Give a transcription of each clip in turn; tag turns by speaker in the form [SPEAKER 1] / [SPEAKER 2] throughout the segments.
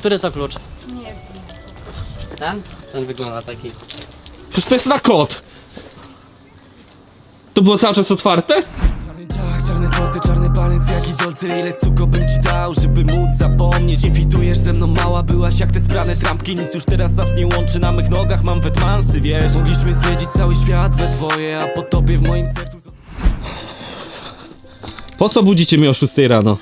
[SPEAKER 1] Który to klucz?
[SPEAKER 2] Nie wiem.
[SPEAKER 1] Ten? Ten wygląda taki.
[SPEAKER 3] Przecież to jest na kod. To było cały czas otwarte?
[SPEAKER 4] Czarny ciach, czarne słońce, czarny palec, jak i dolce. Ile suko bym ci dał, żeby móc zapomnieć. Nie fitujesz ze mną, mała byłaś jak te sprane trampki. Nic już teraz nas nie łączy, na mych nogach mam wetmansy, wiesz. Mogliśmy zwiedzić cały świat we dwoje, a po tobie w moim sercu.
[SPEAKER 3] Po co budzicie mnie o 6 rano?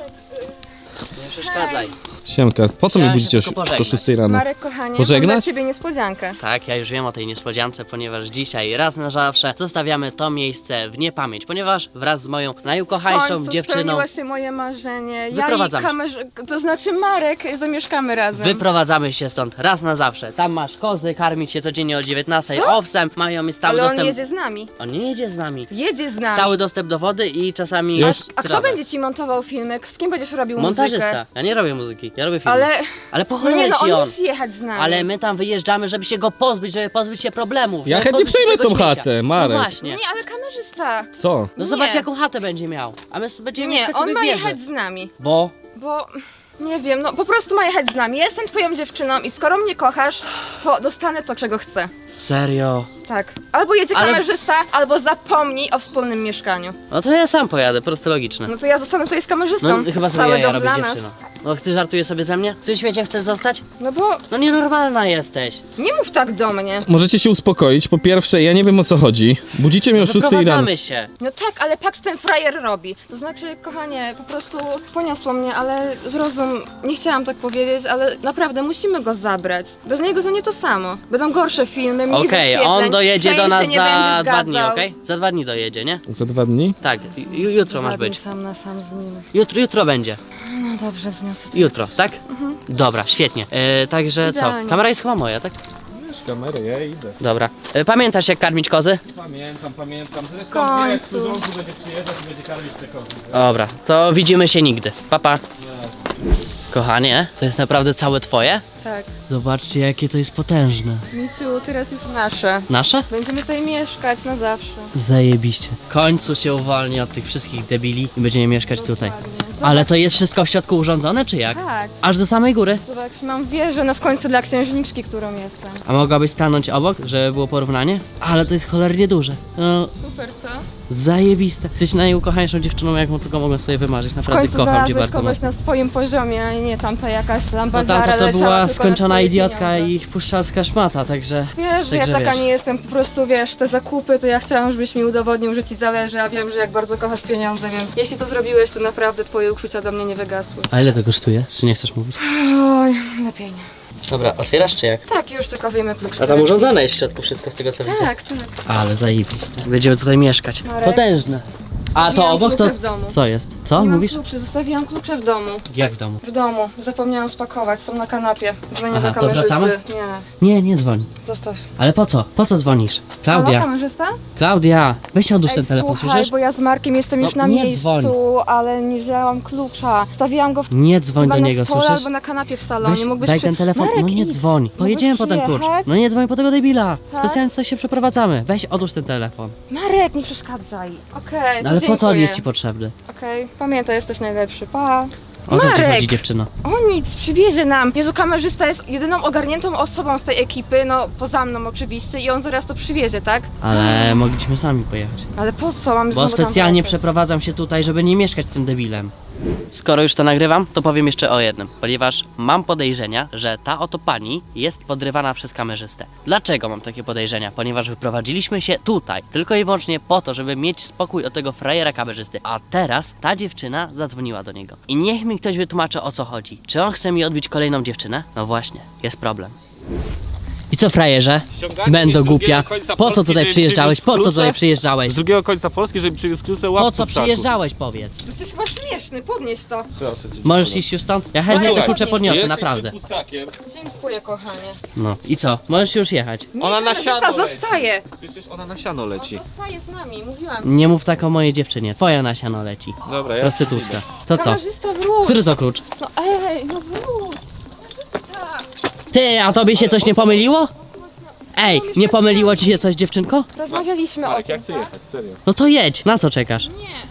[SPEAKER 1] Nie przeszkadzaj.
[SPEAKER 3] Siemka, po co mnie
[SPEAKER 1] Chciałem
[SPEAKER 3] budzicie o
[SPEAKER 1] się tylko pożegnać.
[SPEAKER 3] 6 rano?
[SPEAKER 2] Marek, kochanie, mam
[SPEAKER 3] Pożegnać?
[SPEAKER 2] dla ciebie niespodziankę.
[SPEAKER 1] Tak, ja już wiem o tej niespodziance, ponieważ dzisiaj raz na zawsze zostawiamy to miejsce w niepamięć, ponieważ wraz z moją najukochańszą dziewczyną
[SPEAKER 2] spełniło się moje marzenie. Ja i
[SPEAKER 1] Wyprowadzamy
[SPEAKER 2] to znaczy Marek, zamieszkamy razem.
[SPEAKER 1] wyprowadzamy się stąd raz na zawsze. Tam masz kozy, karmić się codziennie o 19,
[SPEAKER 2] Co?
[SPEAKER 1] owsem, mają mi stały
[SPEAKER 2] Ale on
[SPEAKER 1] dostęp.
[SPEAKER 2] jedzie z nami.
[SPEAKER 1] On nie jedzie z nami.
[SPEAKER 2] Jedzie z nami.
[SPEAKER 1] Stały dostęp do wody i czasami
[SPEAKER 3] Jest.
[SPEAKER 2] A kto
[SPEAKER 1] trawę.
[SPEAKER 2] będzie ci montował filmy? Z kim będziesz robił
[SPEAKER 1] Montażysta.
[SPEAKER 2] muzykę?
[SPEAKER 1] Ja nie robię muzyki, ja robię filmy. Ale po
[SPEAKER 2] Nie
[SPEAKER 1] cholerę
[SPEAKER 2] no,
[SPEAKER 1] ci
[SPEAKER 2] on
[SPEAKER 1] on.
[SPEAKER 2] musi jechać z nami.
[SPEAKER 1] Ale my tam wyjeżdżamy, żeby się go pozbyć, żeby pozbyć się problemów.
[SPEAKER 3] Ja
[SPEAKER 1] żeby
[SPEAKER 3] chętnie
[SPEAKER 1] pozbyć się
[SPEAKER 3] przejmę
[SPEAKER 1] tego
[SPEAKER 3] tą
[SPEAKER 1] śmiecia.
[SPEAKER 3] chatę, Marek.
[SPEAKER 1] No właśnie.
[SPEAKER 2] Nie, ale kamerzysta.
[SPEAKER 3] Co?
[SPEAKER 1] No
[SPEAKER 2] Nie.
[SPEAKER 1] zobacz jaką chatę będzie miał. A my będziemy
[SPEAKER 2] Nie,
[SPEAKER 1] mieszkać
[SPEAKER 2] on
[SPEAKER 1] sobie
[SPEAKER 2] ma
[SPEAKER 1] w wieży.
[SPEAKER 2] jechać z nami.
[SPEAKER 1] Bo
[SPEAKER 2] Bo nie wiem, no po prostu ma jechać z nami. Ja jestem twoją dziewczyną i skoro mnie kochasz, to dostanę to, czego chcę.
[SPEAKER 1] serio.
[SPEAKER 2] Tak. Albo jedzie
[SPEAKER 1] Ale-
[SPEAKER 2] kamerzysta, albo zapomnij o wspólnym mieszkaniu.
[SPEAKER 1] No to ja sam pojadę, proste logiczne.
[SPEAKER 2] No to ja zostanę tutaj z kamerzystą.
[SPEAKER 1] No chyba sobie
[SPEAKER 2] Cały
[SPEAKER 1] jaja
[SPEAKER 2] dom
[SPEAKER 1] robisz
[SPEAKER 2] dla nas.
[SPEAKER 1] dziewczyno. No ty żartujesz sobie ze mnie? W tym świecie chcesz zostać?
[SPEAKER 2] No bo
[SPEAKER 1] No nienormalna jesteś.
[SPEAKER 2] nie mów tak do mnie.
[SPEAKER 3] Możecie się uspokoić. Po pierwsze, ja nie wiem o co chodzi. Budzicie mnie o 6 rano.
[SPEAKER 1] Wyprowadzamy się.
[SPEAKER 2] No tak, ale patrz, ten frajer robi. To znaczy, kochanie, po prostu poniosło mnie, ale zrozum, nie chciałam tak powiedzieć, ale naprawdę musimy go zabrać. Bez niego to nie to samo. Będą gorsze filmy, mniej
[SPEAKER 1] Okej,
[SPEAKER 2] wyświetleń,
[SPEAKER 1] on dojedzie do
[SPEAKER 2] fame
[SPEAKER 1] nas
[SPEAKER 2] się nie
[SPEAKER 1] za
[SPEAKER 2] będzie
[SPEAKER 1] 2 dni,
[SPEAKER 2] zgadzał.
[SPEAKER 1] okej? Za 2 dni dojedzie, nie?
[SPEAKER 3] Za 2 dni?
[SPEAKER 1] Tak, jutro masz
[SPEAKER 2] Ładnie
[SPEAKER 1] być.
[SPEAKER 2] sam na sam z nim.
[SPEAKER 1] Jutro będzie.
[SPEAKER 2] No dobrze, zniosę to.
[SPEAKER 1] Jutro, tak? Dobra, świetnie. Także co?
[SPEAKER 2] Idealnie.
[SPEAKER 1] Kamera jest chyba moja, tak?
[SPEAKER 3] Wiesz kamerę, ja idę.
[SPEAKER 1] Dobra. Pamiętasz jak karmić kozy?
[SPEAKER 3] Pamiętam. Zresztą
[SPEAKER 2] Końcu.
[SPEAKER 3] wiesz, służący będzie przyjeżdżać i będzie karmić te kozy.
[SPEAKER 1] Dobra, to widzimy się nigdy. Pa. Kochanie, to jest naprawdę całe twoje?
[SPEAKER 2] Tak.
[SPEAKER 1] Zobaczcie jakie to jest potężne.
[SPEAKER 2] Misiu, teraz jest nasze.
[SPEAKER 1] Nasze?
[SPEAKER 2] Będziemy tutaj mieszkać na zawsze.
[SPEAKER 1] Zajebiście. W końcu się uwolni od tych wszystkich debili i będziemy mieszkać tutaj.
[SPEAKER 2] Dokładnie.
[SPEAKER 1] Ale to jest wszystko w środku urządzone, czy jak?
[SPEAKER 2] Tak.
[SPEAKER 1] Aż do samej góry.
[SPEAKER 2] Zobacz, mam wieżę, no w końcu dla księżniczki, którą jestem.
[SPEAKER 1] A mogłabyś stanąć obok, żeby było porównanie? Ale to jest cholernie duże. No,
[SPEAKER 2] Super, co?
[SPEAKER 1] zajebiste. Jesteś najukochańszą dziewczyną, jaką tylko mogę sobie wymarzyć.
[SPEAKER 2] W
[SPEAKER 1] Naprawdę
[SPEAKER 2] końcu
[SPEAKER 1] kocham cię
[SPEAKER 2] znalazłeś
[SPEAKER 1] bardzo
[SPEAKER 2] kogoś
[SPEAKER 1] mocno.
[SPEAKER 2] na swoim poziomie, a nie tamta jakaś
[SPEAKER 1] No
[SPEAKER 2] lambadziara
[SPEAKER 1] tamta to
[SPEAKER 2] leciała
[SPEAKER 1] była
[SPEAKER 2] tylko
[SPEAKER 1] skończona
[SPEAKER 2] na twoje
[SPEAKER 1] idiotka
[SPEAKER 2] pieniądze.
[SPEAKER 1] i puszczalska szmata, także...
[SPEAKER 2] Wiesz, że ja
[SPEAKER 1] Także
[SPEAKER 2] taka
[SPEAKER 1] wiesz.
[SPEAKER 2] nie jestem, po prostu wiesz, te zakupy, to ja chciałam, żebyś mi udowodnił, że ci zależy, a wiem, że jak bardzo kochasz pieniądze, więc jeśli to zrobiłeś, to naprawdę twoje uczucia do mnie nie wygasły.
[SPEAKER 1] A ile to kosztuje? Czy nie chcesz mówić?
[SPEAKER 2] Oj, lepiej nie.
[SPEAKER 1] Dobra, otwierasz czy jak?
[SPEAKER 2] Tak, już tylko wyjmę klucz.
[SPEAKER 1] A tam urządzone jest w środku wszystko z tego co widzę.
[SPEAKER 2] Tak, tak.
[SPEAKER 1] Ale zajebiste. Będziemy tutaj mieszkać.
[SPEAKER 2] Marek.
[SPEAKER 1] Potężne. A to
[SPEAKER 2] Zostawiłam
[SPEAKER 1] obok to...
[SPEAKER 2] klucze w domu.
[SPEAKER 1] Co jest? Co
[SPEAKER 2] Nie
[SPEAKER 1] mówisz?
[SPEAKER 2] mam kluczy, zostawiłam klucze w domu.
[SPEAKER 1] Jak w domu?
[SPEAKER 2] W domu. Zapomniałam spakować, są na kanapie. Dzwonię
[SPEAKER 1] Aha,
[SPEAKER 2] do
[SPEAKER 1] to
[SPEAKER 2] kamerzysty.
[SPEAKER 1] wracamy? Nie dzwoń.
[SPEAKER 2] Zostaw.
[SPEAKER 1] Ale po co? Po co dzwonisz?
[SPEAKER 2] Halo,
[SPEAKER 1] Klaudia,
[SPEAKER 2] kamerzysta?
[SPEAKER 1] Klaudia, weź odłóż
[SPEAKER 2] Ej,
[SPEAKER 1] ten telefon,
[SPEAKER 2] słuchaj,
[SPEAKER 1] słyszysz?
[SPEAKER 2] bo ja z Markiem jestem już
[SPEAKER 1] No,
[SPEAKER 2] na
[SPEAKER 1] nie
[SPEAKER 2] miejscu,
[SPEAKER 1] dzwoń.
[SPEAKER 2] ale nie wzięłam klucza. Stawiłam go
[SPEAKER 1] Nie dzwoń
[SPEAKER 2] chyba
[SPEAKER 1] do
[SPEAKER 2] na
[SPEAKER 1] niego,
[SPEAKER 2] stole
[SPEAKER 1] słyszysz?
[SPEAKER 2] albo na kanapie w salonie.
[SPEAKER 1] Weź,
[SPEAKER 2] Mógłbyś
[SPEAKER 1] daj ten telefon,
[SPEAKER 2] Marek,
[SPEAKER 1] no nie
[SPEAKER 2] idź.
[SPEAKER 1] dzwoń.
[SPEAKER 2] Mógłbyś
[SPEAKER 1] Pojedziemy po ten klucz.
[SPEAKER 2] przyjechać?
[SPEAKER 1] No nie dzwoń po tego debila.
[SPEAKER 2] Tak?
[SPEAKER 1] Specjalnie tutaj się przeprowadzamy. Weź odłóż ten telefon.
[SPEAKER 2] Marek, nie przeszkadzaj. Okej,
[SPEAKER 1] No,
[SPEAKER 2] to
[SPEAKER 1] ale po co on
[SPEAKER 2] dziękuję.
[SPEAKER 1] jest ci potrzebny?
[SPEAKER 2] Okej, pamiętaj, jesteś najlepszy. Pa.
[SPEAKER 1] O co ci
[SPEAKER 2] Marek!
[SPEAKER 1] chodzi dziewczyno?
[SPEAKER 2] O nic, przywiezie nam. Jezu, kamerzysta jest jedyną ogarniętą osobą z tej ekipy, no poza mną oczywiście i on zaraz to przywiezie, tak?
[SPEAKER 1] Ale mogliśmy sami pojechać.
[SPEAKER 2] Ale po co? Mamy
[SPEAKER 1] Bo
[SPEAKER 2] znowu tam
[SPEAKER 1] specjalnie
[SPEAKER 2] wracać?
[SPEAKER 1] przeprowadzam się tutaj, żeby nie mieszkać z tym debilem. Skoro już to nagrywam, to powiem jeszcze o jednym, ponieważ mam podejrzenia, że ta oto pani jest podrywana przez kamerzystę. Dlaczego mam takie podejrzenia? Ponieważ wyprowadziliśmy się tutaj tylko i wyłącznie po to, żeby mieć spokój od tego frajera kamerzysty, a teraz ta dziewczyna zadzwoniła do niego. I niech mi ktoś wytłumaczy, o co chodzi. Czy on chce mi odbić kolejną dziewczynę? No właśnie, jest problem. I co, frajerze?
[SPEAKER 3] Ściągacie
[SPEAKER 1] Będę
[SPEAKER 3] mnie z drugiego
[SPEAKER 1] głupia.
[SPEAKER 3] końca
[SPEAKER 1] Po co
[SPEAKER 3] Polski,
[SPEAKER 1] tutaj
[SPEAKER 3] żeby
[SPEAKER 1] przyjeżdżałeś?
[SPEAKER 3] przywiózł
[SPEAKER 1] Po co
[SPEAKER 3] klucze?
[SPEAKER 1] tutaj przyjeżdżałeś?
[SPEAKER 3] Z drugiego końca Polski, żeby przywiózł klucze, łap
[SPEAKER 1] Po co przyjeżdżałeś, powiedz?
[SPEAKER 2] Jesteś chyba śmieszny, podnieś to.
[SPEAKER 1] Możesz iść już stąd? Ja chętnie te
[SPEAKER 2] Słuchaj,
[SPEAKER 1] klucze podniosę,
[SPEAKER 3] Jesteś
[SPEAKER 1] naprawdę.
[SPEAKER 3] wypustakiem.
[SPEAKER 2] Dziękuję, kochanie.
[SPEAKER 1] No i co? Możesz już jechać.
[SPEAKER 2] Nie,
[SPEAKER 3] Ona na
[SPEAKER 2] kamerzysta
[SPEAKER 3] siano leci.
[SPEAKER 2] zostaje.
[SPEAKER 3] Słyszysz, ona na siano leci.
[SPEAKER 2] On zostaje z nami, mówiłam.
[SPEAKER 1] Nie mów tak o mojej dziewczynie. Twoja na siano leci.
[SPEAKER 3] Dobra, ja
[SPEAKER 1] Prostytutka. To co?
[SPEAKER 2] Kamerzysta, wróć.
[SPEAKER 1] Który to klucz?
[SPEAKER 2] No ej, no wróć. Kamerzysta.
[SPEAKER 1] Ty, a tobie się coś nie pomyliło? Ej, nie pomyliło ci się coś, dziewczynko?
[SPEAKER 2] Rozmawialiśmy o
[SPEAKER 3] Marek, ja
[SPEAKER 2] tym,
[SPEAKER 3] chcę
[SPEAKER 2] tak?
[SPEAKER 3] jechać, serio.
[SPEAKER 1] No to jedź. Na co czekasz?
[SPEAKER 2] Nie, ona wróci.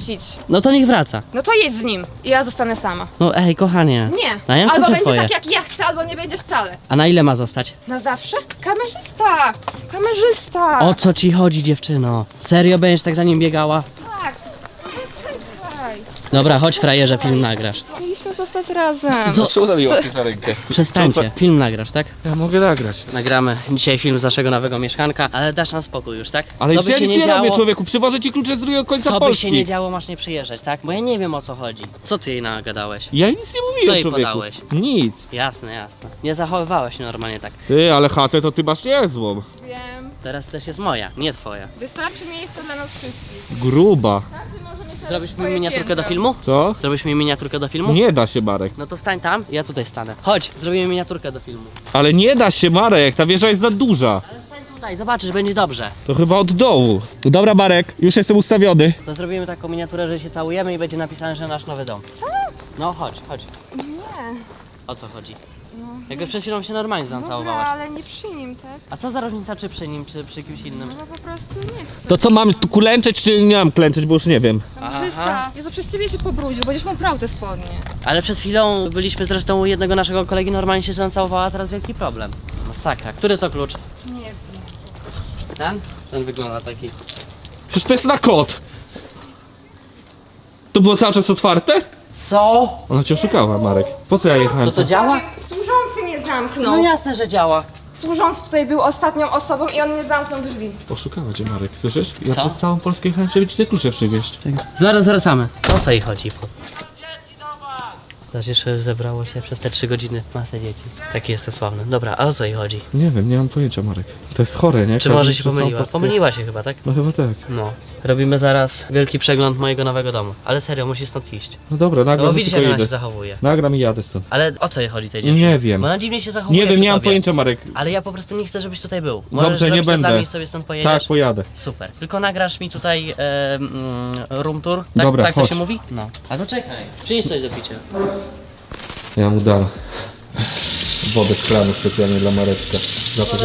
[SPEAKER 2] wrócić.
[SPEAKER 1] No to niech wraca.
[SPEAKER 2] No to jedź z nim i ja zostanę sama.
[SPEAKER 1] No ej, kochanie.
[SPEAKER 2] Nie,
[SPEAKER 1] A ja
[SPEAKER 2] albo
[SPEAKER 1] klucze
[SPEAKER 2] będzie
[SPEAKER 1] twoje.
[SPEAKER 2] tak jak ja chcę, albo nie będzie wcale.
[SPEAKER 1] A na ile ma zostać?
[SPEAKER 2] Na zawsze? Kamerzysta! Kamerzysta!
[SPEAKER 1] O co ci chodzi, dziewczyno? Serio będziesz tak za nim biegała?
[SPEAKER 2] Tak. Czekaj.
[SPEAKER 1] Dobra, chodź frajerze, film nagrasz.
[SPEAKER 2] Mieliśmy zostać razem.
[SPEAKER 3] Czemu tam mi łapie za rękę?
[SPEAKER 1] Przestańcie, film nagrasz, tak?
[SPEAKER 3] Ja mogę nagrać.
[SPEAKER 1] Nagramy dzisiaj film z naszego nowego mieszkanka, ale dasz nam spokój już, tak?
[SPEAKER 3] Ale
[SPEAKER 1] co by
[SPEAKER 3] ja
[SPEAKER 1] się
[SPEAKER 3] nic
[SPEAKER 1] nie
[SPEAKER 3] nie
[SPEAKER 1] działo,
[SPEAKER 3] robię, człowieku. Przywożę ci klucze z drugiego końca
[SPEAKER 1] co by
[SPEAKER 3] Polski.
[SPEAKER 1] się nie działo, masz nie przyjeżdżać, tak? Bo ja nie wiem o co chodzi. Co ty jej nagadałeś?
[SPEAKER 3] Ja nic nie mówiłem,
[SPEAKER 1] Co jej
[SPEAKER 3] człowieku.
[SPEAKER 1] podałeś?
[SPEAKER 3] Nic.
[SPEAKER 1] Jasne, jasne. Nie zachowywałeś się normalnie tak.
[SPEAKER 3] Ty, ale chatę to ty masz niezłą.
[SPEAKER 2] Wiem.
[SPEAKER 1] Teraz też jest moja, nie twoja.
[SPEAKER 2] Wystarczy miejsca dla nas wszystkich.
[SPEAKER 3] Gruba.
[SPEAKER 2] Każdy może mieć
[SPEAKER 1] Zrobisz mi
[SPEAKER 2] swoje
[SPEAKER 1] miniaturkę do
[SPEAKER 2] piętro.
[SPEAKER 1] filmu?
[SPEAKER 3] Co?
[SPEAKER 1] Zrobisz mi miniaturkę do filmu?
[SPEAKER 3] Nie da się, Marek.
[SPEAKER 1] No to stań tam, ja tutaj stanę. Chodź, zrobimy miniaturkę do filmu.
[SPEAKER 3] Ale nie da się, Marek. Ta wieża jest za duża.
[SPEAKER 1] Ale stań tutaj, zobaczysz, będzie dobrze.
[SPEAKER 3] To chyba od dołu. No dobra, Marek. Już jestem ustawiony.
[SPEAKER 1] To zrobimy taką miniaturę, że się całujemy i będzie napisane, że nasz nowy dom. Co? No chodź, chodź.
[SPEAKER 2] Nie.
[SPEAKER 1] O co chodzi? Jakby przed chwilą się normalnie
[SPEAKER 2] Dobra,
[SPEAKER 1] zacałowałaś.
[SPEAKER 2] ale nie przy nim, tak?
[SPEAKER 1] A co za różnica, czy przy nim, czy przy kimś innym?
[SPEAKER 2] No po prostu nie chcę.
[SPEAKER 3] To co, mam tu klęczeć, czy nie mam klęczeć, bo już nie wiem.
[SPEAKER 2] Kamerzysta, Jezu, przez ciebie się pobrudził, będziesz mu prał te spodnie.
[SPEAKER 1] Ale przed chwilą byliśmy zresztą u jednego naszego kolegi, normalnie się zacałowała, a teraz wielki problem. Masakra. Który to klucz?
[SPEAKER 2] Nie wiem.
[SPEAKER 1] Ten? Ten wygląda taki.
[SPEAKER 3] Przecież to jest na kod. To było cały czas otwarte?
[SPEAKER 1] Co?
[SPEAKER 3] Ona cię oszukała, Marek. Po co ja jechałem?
[SPEAKER 1] Co to działa?
[SPEAKER 2] Służący mnie zamknął.
[SPEAKER 1] No jasne, że działa.
[SPEAKER 2] Służący tutaj był ostatnią osobą i on nie zamknął drzwi.
[SPEAKER 3] Oszukała cię, Marek, słyszysz? Ja
[SPEAKER 1] Co?
[SPEAKER 3] przez całą Polskę jechałem, żeby ci te klucze przywieźć.
[SPEAKER 1] Zaraz wracamy. O co jej chodzi? Zobacz, jeszcze zebrało się przez te 3 godziny masę dzieci. Taki jestem sławny. Dobra, a o co jej chodzi?
[SPEAKER 3] Nie wiem, nie mam pojęcia, Marek. To jest chore, nie?
[SPEAKER 1] Czy
[SPEAKER 3] Każdy
[SPEAKER 1] może się
[SPEAKER 3] przez całą
[SPEAKER 1] pomyliła?
[SPEAKER 3] Polskę-
[SPEAKER 1] Pomyliła się chyba, tak?
[SPEAKER 3] No chyba tak.
[SPEAKER 1] No. Robimy zaraz wielki przegląd mojego nowego domu. Ale serio, musisz stąd iść.
[SPEAKER 3] No dobra,
[SPEAKER 1] No
[SPEAKER 3] nagram
[SPEAKER 1] bo
[SPEAKER 3] i
[SPEAKER 1] widzisz,
[SPEAKER 3] tylko
[SPEAKER 1] jak ona
[SPEAKER 3] idę.
[SPEAKER 1] się zachowuje.
[SPEAKER 3] Nagram i jadę stąd.
[SPEAKER 1] Ale o co jej chodzi tej dziewczynie?
[SPEAKER 3] Nie wiem.
[SPEAKER 1] Bo ona dziwnie się zachowuje
[SPEAKER 3] Nie wiem,
[SPEAKER 1] przy
[SPEAKER 3] nie mam
[SPEAKER 1] tobie.
[SPEAKER 3] pojęcia, Marek.
[SPEAKER 1] Ale ja po prostu nie chcę, żebyś tutaj był. Możesz
[SPEAKER 3] Dobrze, nie
[SPEAKER 1] zrobić to dla
[SPEAKER 3] będę.
[SPEAKER 1] mnie i sobie stąd pojedziesz?
[SPEAKER 3] Tak, pojadę.
[SPEAKER 1] Super. Tylko nagrasz mi tutaj room tour. Tak,
[SPEAKER 3] Dobra,
[SPEAKER 1] tak to
[SPEAKER 3] chodź.
[SPEAKER 1] się mówi? No. A to czekaj. Przynieś coś do picia.
[SPEAKER 3] Ja mu dam wodę szklaną specjalnie dla Mareczka. Za to, że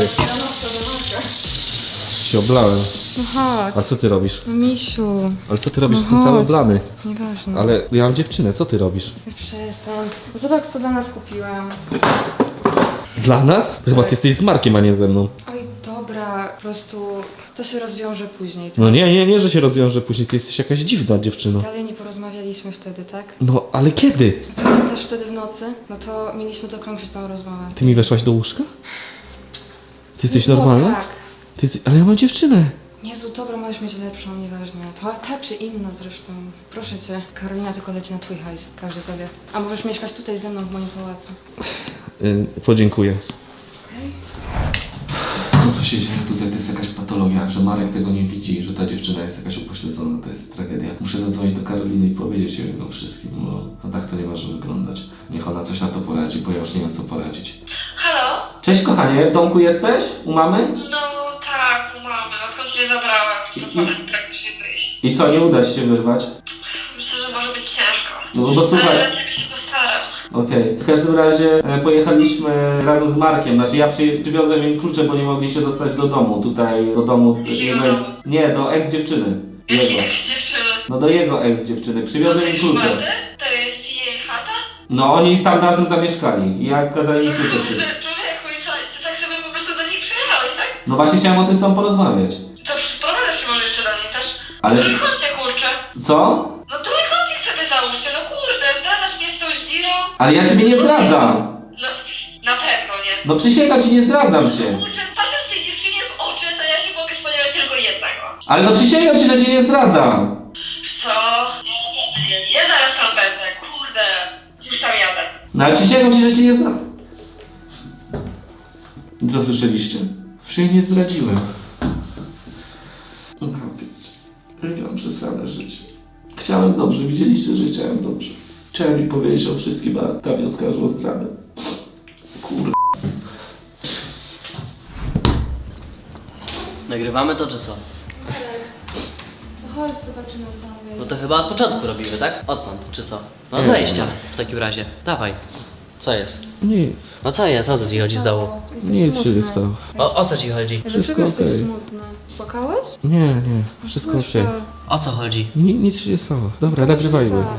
[SPEAKER 3] się oblałem.
[SPEAKER 2] No chodź.
[SPEAKER 3] A co ty robisz?
[SPEAKER 2] No misiu,
[SPEAKER 3] Ale co ty robisz?
[SPEAKER 2] No
[SPEAKER 3] Jestem cały
[SPEAKER 2] chodź.
[SPEAKER 3] oblany.
[SPEAKER 2] nieważne.
[SPEAKER 3] Ale ja mam dziewczynę, co ty robisz?
[SPEAKER 2] Przestań. Zobacz, co dla nas kupiłam.
[SPEAKER 3] Dla nas? Chyba ty jesteś z Markiem, a nie ze mną.
[SPEAKER 2] Oj, dobra, po prostu to się rozwiąże później. Tak?
[SPEAKER 3] No nie, że się rozwiąże później. Ty jesteś jakaś dziwna dziewczyno.
[SPEAKER 2] Dalej nie porozmawialiśmy wtedy, tak?
[SPEAKER 3] No, ale kiedy?
[SPEAKER 2] Pamiętasz wtedy w nocy? No to mieliśmy dokończyć tą rozmowę.
[SPEAKER 3] Ty mi weszłaś do łóżka? Ty jesteś
[SPEAKER 2] No
[SPEAKER 3] normalna?
[SPEAKER 2] tak.
[SPEAKER 3] Ty jesteś... Ale ja mam dziewczynę.
[SPEAKER 2] Jezu, dobra, możesz mieć lepszą, nieważne. To ta czy inna zresztą. Proszę cię, Karolina tylko leci na twój hajs, każdy tobie. A możesz mieszkać tutaj ze mną w moim pałacu.
[SPEAKER 3] Podziękuję.
[SPEAKER 2] Okej?
[SPEAKER 5] To co się dzieje tutaj to jest jakaś patologia, że Marek tego nie widzi, że ta dziewczyna jest jakaś upośledzona, to jest tragedia. Muszę zadzwonić do Karoliny i powiedzieć jej o wszystkim, bo tak to nie może wyglądać. Niech ona coś na to poradzi, bo ja już nie wiem co poradzić.
[SPEAKER 6] Halo?
[SPEAKER 5] Cześć kochanie, w domku jesteś? U mamy?
[SPEAKER 6] No tak, u mamy. Odkąd mnie zabrała, pozwolę praktycznie wyjść.
[SPEAKER 5] I co, nie uda ci się wyrwać?
[SPEAKER 6] Myślę, że może być ciężko.
[SPEAKER 5] No bo słuchaj.
[SPEAKER 6] Ale dla ciebie się postaram.
[SPEAKER 5] Okej. W każdym razie pojechaliśmy razem z Markiem, znaczy ja przywiozłem im klucze, bo nie mogli się dostać do domu, tutaj do domu jego ex... Nie, do ex-dziewczyny. Jego.
[SPEAKER 6] Dziewczyny.
[SPEAKER 5] No do jego ex-dziewczyny,
[SPEAKER 6] To
[SPEAKER 5] przywiozłem im
[SPEAKER 6] jest
[SPEAKER 5] klucze.
[SPEAKER 6] ładne? To jest jej chata?
[SPEAKER 5] No oni tam razem zamieszkali i ja kazali mi klucze
[SPEAKER 6] Kurde,
[SPEAKER 5] przywieźć.
[SPEAKER 6] człowieku, i co? Ty tak sobie po prostu do nich przyjechałeś, tak?
[SPEAKER 5] No właśnie chciałem o tym z tobą porozmawiać.
[SPEAKER 6] To prowadzisz się może jeszcze do nich też?
[SPEAKER 5] Ale-
[SPEAKER 6] Trójkącie, kurczę.
[SPEAKER 5] Co?
[SPEAKER 6] No trójkącik sobie załóżcie, no kurde, zdradzasz mnie z tą zdzirą?
[SPEAKER 5] Ale ja ciebie nie zdradzam!
[SPEAKER 6] No, na pewno nie.
[SPEAKER 5] No przysięgam ci, nie zdradzam cię.
[SPEAKER 6] Kurczę, patrząc tej dziewczynie w oczy, to ja się mogę spodziewać tylko jednego.
[SPEAKER 5] Ale no przysięgam ci, że cię nie zdradzam.
[SPEAKER 6] Co? Ja zaraz tam będę, kurde. Już tam jadę.
[SPEAKER 5] No ale przysięgam ci, że cię nie zdradzam. Co słyszeliście? Że jej nie zdradziłem. Miałam przesrane życie. Chciałem dobrze, widzieliście, że chciałem dobrze. Chciałem mi powiedzieć o wszystkim, a ta wioska o zdradę. Kurde.
[SPEAKER 1] Nagrywamy to czy co?
[SPEAKER 2] To chodź, zobaczymy co on
[SPEAKER 1] No
[SPEAKER 2] wie.
[SPEAKER 1] to chyba od początku robimy, tak? Odtąd, czy co? No
[SPEAKER 3] Nie.
[SPEAKER 1] wejścia w takim razie. Dawaj. Co jest?
[SPEAKER 3] Nic,
[SPEAKER 1] No co jest? O co ci chodzi z dołu?
[SPEAKER 2] Jesteś
[SPEAKER 3] nic się
[SPEAKER 2] smutny.
[SPEAKER 3] nie stało.
[SPEAKER 1] O co ci chodzi?
[SPEAKER 2] Dlaczego jesteś
[SPEAKER 3] okej.
[SPEAKER 2] smutny? Płakałeś?
[SPEAKER 3] Nie, wszystko okej.
[SPEAKER 2] Słyszę.
[SPEAKER 1] O co chodzi?
[SPEAKER 3] Nic się nie stało. Dobra, nagrywajmy.
[SPEAKER 2] Dobra.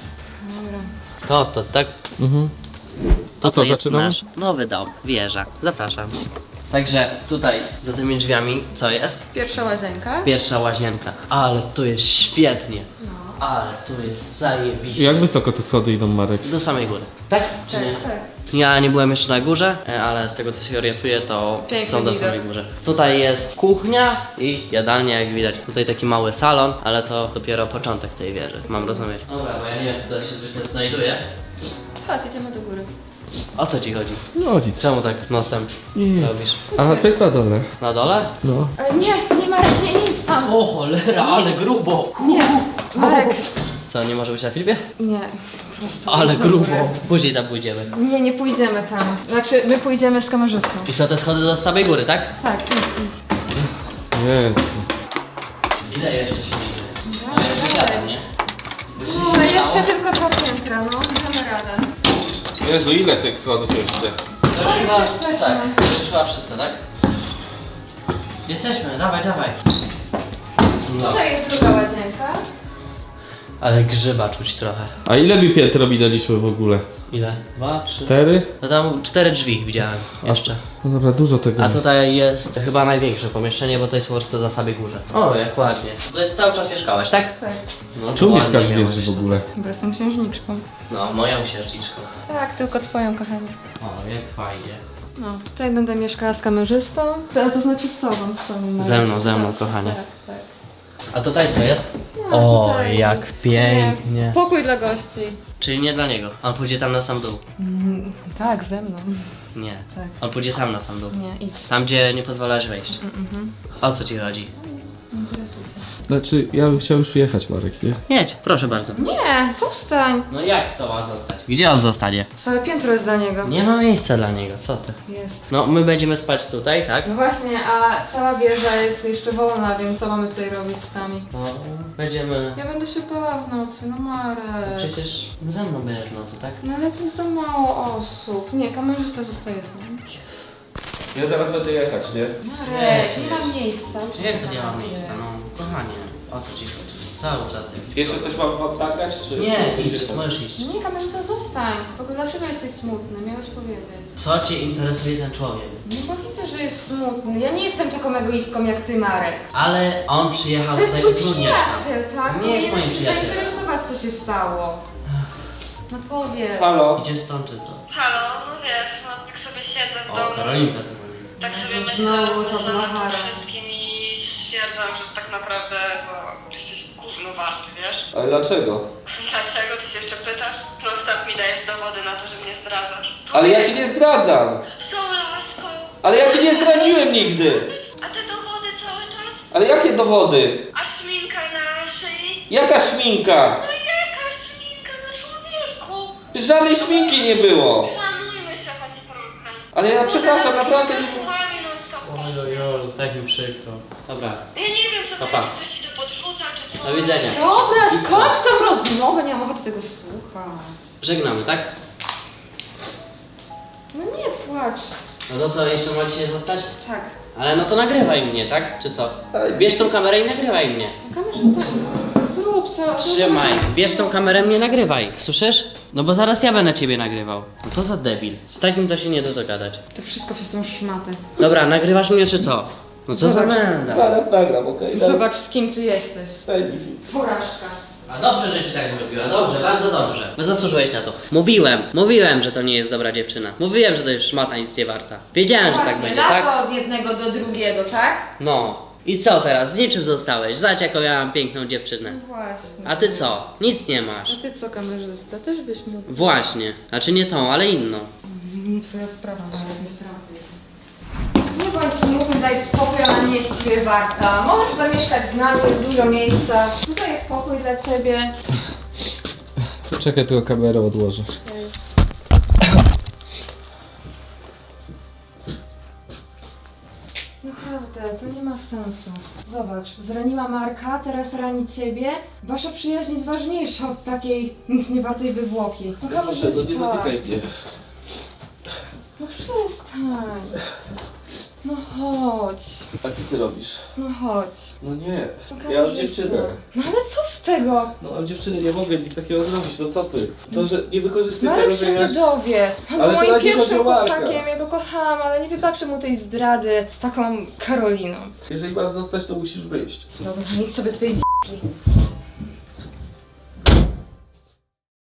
[SPEAKER 1] To tak.
[SPEAKER 3] Mhm.
[SPEAKER 1] To
[SPEAKER 3] co,
[SPEAKER 1] jest
[SPEAKER 3] zaczynamy?
[SPEAKER 1] nasz nowy dom, wieża. Zapraszam. Także tutaj, za tymi drzwiami, co jest?
[SPEAKER 2] Pierwsza łazienka.
[SPEAKER 1] Pierwsza łazienka. Ale tu jest świetnie. Ale tu jest zajebiście.
[SPEAKER 3] Jak wysoko te schody idą, Marek?
[SPEAKER 1] Do samej góry. Tak? Czy nie?
[SPEAKER 2] Tak.
[SPEAKER 1] Ja nie byłem jeszcze na górze, ale z tego co się orientuję, to
[SPEAKER 2] Piękny
[SPEAKER 1] są do
[SPEAKER 2] widok.
[SPEAKER 1] samej górze. Tutaj jest kuchnia i jadalnia, jak widać. Tutaj taki mały salon, ale to dopiero początek tej wieży, mam rozumieć. Dobra, bo ja nie wiem, co tutaj się zwykle znajduje.
[SPEAKER 2] Chodź, idziemy do góry.
[SPEAKER 1] O co ci chodzi?
[SPEAKER 3] No chodzi.
[SPEAKER 1] Czemu tak nosem
[SPEAKER 3] Nic.
[SPEAKER 1] robisz?
[SPEAKER 3] A co jest na dole?
[SPEAKER 1] Na dole?
[SPEAKER 3] No.
[SPEAKER 2] Nie, Marek, nie idź tam.
[SPEAKER 1] O cholera, ale grubo!
[SPEAKER 2] Nie, Marek.
[SPEAKER 1] Co, nie może być na filmie?
[SPEAKER 2] Nie, po prostu.
[SPEAKER 1] Ale
[SPEAKER 2] idź do
[SPEAKER 1] grubo.
[SPEAKER 2] góry.
[SPEAKER 1] Później tam pójdziemy.
[SPEAKER 2] Nie pójdziemy tam. Znaczy, my pójdziemy z kamerzystą.
[SPEAKER 1] I co, te schody do samej góry, tak?
[SPEAKER 2] Tak, idź.
[SPEAKER 3] Jezu.
[SPEAKER 1] Ile jeszcze się idzie? No ja już wysiadam, nie?
[SPEAKER 2] No, jeszcze tylko 2 piętra, no, damy radę.
[SPEAKER 3] Jezu, ile tych schodów jeszcze?
[SPEAKER 1] To już chyba,
[SPEAKER 2] jesteśmy.
[SPEAKER 1] tak, to już chyba wszystko, tak? Jesteśmy, dawaj. No.
[SPEAKER 2] Tutaj jest druga łazienka.
[SPEAKER 1] Ale grzyba czuć trochę.
[SPEAKER 3] A ile mi piętro minęliśmy w ogóle?
[SPEAKER 1] Ile? 2, 3?
[SPEAKER 3] 4?
[SPEAKER 1] No tam 4 drzwi widziałem jeszcze.
[SPEAKER 3] No dobra, dużo tego
[SPEAKER 1] A
[SPEAKER 3] jest.
[SPEAKER 1] tutaj jest chyba największe pomieszczenie, bo to jest po prostu na samej górze. O, jak ładnie. To jest cały czas mieszkałeś, tak?
[SPEAKER 2] Tak,
[SPEAKER 1] No,
[SPEAKER 3] Tu
[SPEAKER 1] to
[SPEAKER 3] mieszkasz
[SPEAKER 1] ładnie
[SPEAKER 3] w
[SPEAKER 1] miało
[SPEAKER 3] wieży
[SPEAKER 1] być
[SPEAKER 3] w
[SPEAKER 1] to.
[SPEAKER 3] ogóle.
[SPEAKER 2] bo jestem księżniczką.
[SPEAKER 1] No, moją księżniczką.
[SPEAKER 2] Tak, tylko twoją, kochanie.
[SPEAKER 1] O, jak fajnie.
[SPEAKER 2] No, tutaj będę mieszkała z kamerzystą. To znaczy z tobą, Marek.
[SPEAKER 1] Ze mną,
[SPEAKER 2] Tak,
[SPEAKER 1] kochanie.
[SPEAKER 2] Tak.
[SPEAKER 1] A tutaj co jest?
[SPEAKER 2] No,
[SPEAKER 1] O,
[SPEAKER 2] tutaj-
[SPEAKER 1] jak pięknie.
[SPEAKER 2] Pokój dla gości.
[SPEAKER 1] Czyli nie dla niego. On pójdzie tam na sam dół.
[SPEAKER 2] Tak, ze mną.
[SPEAKER 1] Nie.
[SPEAKER 2] Tak.
[SPEAKER 1] On pójdzie sam na sam dół.
[SPEAKER 2] Nie, idź.
[SPEAKER 1] Tam, gdzie nie pozwalasz wejść. O co ci chodzi?
[SPEAKER 3] Znaczy, ja bym chciał już jechać, Marek, nie?
[SPEAKER 1] Jedź, proszę bardzo.
[SPEAKER 2] Nie, zostań.
[SPEAKER 1] No jak to ma zostać? Gdzie on zostanie?
[SPEAKER 2] Całe piętro jest dla niego.
[SPEAKER 1] Nie ma miejsca dla niego, co ty?
[SPEAKER 2] Jest.
[SPEAKER 1] No, my będziemy spać tutaj, tak?
[SPEAKER 2] No właśnie, a cała wieża jest jeszcze wolna, więc co mamy tutaj robić sami?
[SPEAKER 1] No, będziemy...
[SPEAKER 2] Ja będę się bała w nocy, no Marek.
[SPEAKER 1] Przecież ze mną będziesz w nocy, tak?
[SPEAKER 2] No ale to jest za mało osób. Nie, kamerzysta zostaje z nami.
[SPEAKER 3] Ja zaraz będę jechać, nie?
[SPEAKER 2] Marek, nie ma miejsca.
[SPEAKER 1] Jak to nie ma miejsca? No, kochanie, o co ci chodzi? Cały czas.
[SPEAKER 3] Jeszcze coś mam nagrać, czy...
[SPEAKER 1] Nie,
[SPEAKER 3] czy
[SPEAKER 1] idź,
[SPEAKER 3] jechać?
[SPEAKER 1] możesz iść.
[SPEAKER 2] No nie, kamerzysta, zostań. W ogóle dlaczego jesteś smutny? Miałeś powiedzieć.
[SPEAKER 1] Co cię interesuje ten człowiek?
[SPEAKER 2] No bo widzę, że jest smutny. Ja nie jestem taką egoistką jak ty, Marek.
[SPEAKER 1] Ale on przyjechał
[SPEAKER 2] To jest
[SPEAKER 1] tutaj
[SPEAKER 2] twój
[SPEAKER 1] utrudniać nam.
[SPEAKER 2] przyjaciel, tak?
[SPEAKER 1] Nie jest
[SPEAKER 2] Powinieneś
[SPEAKER 1] moim
[SPEAKER 2] się
[SPEAKER 1] przyjacielem.
[SPEAKER 2] zainteresować, co się stało. No powiedz.
[SPEAKER 3] Halo?
[SPEAKER 1] Idziesz stąd czy co?
[SPEAKER 6] Halo, no wiesz, no tak sobie siedzę w
[SPEAKER 1] O,
[SPEAKER 6] domu.
[SPEAKER 1] Karolinka dzwoni.
[SPEAKER 6] Tak sobie myślę,
[SPEAKER 2] Znowu to
[SPEAKER 6] rozmyślam nad
[SPEAKER 2] blachara.
[SPEAKER 6] tym wszystkim i stwierdzam, że tak naprawdę to jesteś gówno warty, wiesz?
[SPEAKER 3] Ale dlaczego?
[SPEAKER 6] Dlaczego? Ty się jeszcze pytasz? Non-stop mi dajesz dowody na to, że mnie zdradzasz.
[SPEAKER 3] Ale ja cię nie zdradzam!
[SPEAKER 6] Z tą laską!
[SPEAKER 3] Ale ja cię nie zdradziłem nigdy!
[SPEAKER 6] A te dowody cały czas?
[SPEAKER 3] Ale jakie dowody?
[SPEAKER 6] A szminka na szyi?
[SPEAKER 3] Jaka szminka?
[SPEAKER 6] No jaka szminka na człowieku?
[SPEAKER 3] Żadnej szminki nie było!
[SPEAKER 6] Szanujmy się choć trochę.
[SPEAKER 3] Ale ja przepraszam, naprawdę nie...
[SPEAKER 6] Kłamie non-stop.
[SPEAKER 1] Ojojoj, tak mi przykro. Dobra,
[SPEAKER 6] Ja nie wiem, co to
[SPEAKER 1] Pa, pa.
[SPEAKER 6] jest, ktoś ci tu podrzuca, czy co?
[SPEAKER 1] do widzenia.
[SPEAKER 2] Dobra, skończ tą rozmowę, nie mam ochoty tego słuchać.
[SPEAKER 1] Żegnamy, tak?
[SPEAKER 2] No nie płacz.
[SPEAKER 1] No to co, jeszcze możecie zostać?
[SPEAKER 2] Tak.
[SPEAKER 1] Ale no to nagrywaj mnie, tak? Czy co? Bierz tą kamerę i nagrywaj mnie.
[SPEAKER 2] Kamerzysta, zrób co.
[SPEAKER 1] Trzymaj, bierz tą kamerę, mnie nagrywaj. Słyszysz? No bo zaraz ja będę ciebie nagrywał. No co za debil. Z takim to się nie da dogadać.
[SPEAKER 2] To wszystko przez tą szmatę.
[SPEAKER 1] Dobra, nagrywasz mnie czy co? No co za
[SPEAKER 2] Zobacz.
[SPEAKER 1] menda.
[SPEAKER 3] Zaraz nagram, okej?
[SPEAKER 2] Zobacz, z kim ty jesteś.
[SPEAKER 3] Daj mi film.
[SPEAKER 2] Porażka.
[SPEAKER 1] A dobrze, że ci tak zrobiła, dobrze, bardzo dobrze. Bo zasłużyłeś na to. Mówiłem, że to nie jest dobra dziewczyna. Mówiłem, że to jest szmata nic nie warta. Wiedziałem, że tak
[SPEAKER 2] Właśnie,
[SPEAKER 1] będzie,
[SPEAKER 2] lata
[SPEAKER 1] tak?
[SPEAKER 2] od jednego do drugiego, tak?
[SPEAKER 1] No. I co teraz? Z niczym zostałeś. Zobacz, jaką ja mam piękną dziewczynę.
[SPEAKER 2] No właśnie.
[SPEAKER 1] A ty co? Nic nie masz.
[SPEAKER 2] A ty co, kamerzysta? Też byś mógł.
[SPEAKER 1] Właśnie. Znaczy nie tą, ale inną.
[SPEAKER 2] Nie twoja sprawa, ale nie wtrącę. Nie bądź smutny, daj spokój, ona nie jest ciebie warta. Możesz zamieszkać z nami, jest dużo miejsca. Tutaj jest pokój dla ciebie.
[SPEAKER 3] Czekaj, tylko kamerę odłożę.
[SPEAKER 2] Naprawdę, to nie ma sensu. Zobacz, zraniła Marka, teraz rani ciebie. Wasza przyjaźń jest ważniejsza od takiej nic nie wartej wywłoki. No kamerzysta.
[SPEAKER 3] mnie.
[SPEAKER 2] No przestań. No chodź.
[SPEAKER 5] A co ty robisz?
[SPEAKER 2] No chodź.
[SPEAKER 5] No nie.
[SPEAKER 2] No,
[SPEAKER 5] Ja mam
[SPEAKER 2] kamerzysta.
[SPEAKER 5] dziewczynę.
[SPEAKER 2] No ale co z tego?
[SPEAKER 5] No mam dziewczyny, nie mogę nic takiego zrobić, no co ty? To, że nie wykorzystuj
[SPEAKER 2] Marek
[SPEAKER 5] tego,
[SPEAKER 2] się
[SPEAKER 5] że
[SPEAKER 2] nie
[SPEAKER 5] ja...
[SPEAKER 2] dowie. On
[SPEAKER 5] Ale
[SPEAKER 2] był
[SPEAKER 5] to
[SPEAKER 2] moim
[SPEAKER 5] nawet nie chodzi
[SPEAKER 2] pierwszym
[SPEAKER 5] o Marka.
[SPEAKER 2] chłopakiem, ja go kochałam, ale nie wybaczę mu tej zdrady z taką Karoliną.
[SPEAKER 5] Jeżeli mam zostać, to musisz wyjść.
[SPEAKER 2] Dobra, idź sobie do tej d***ki.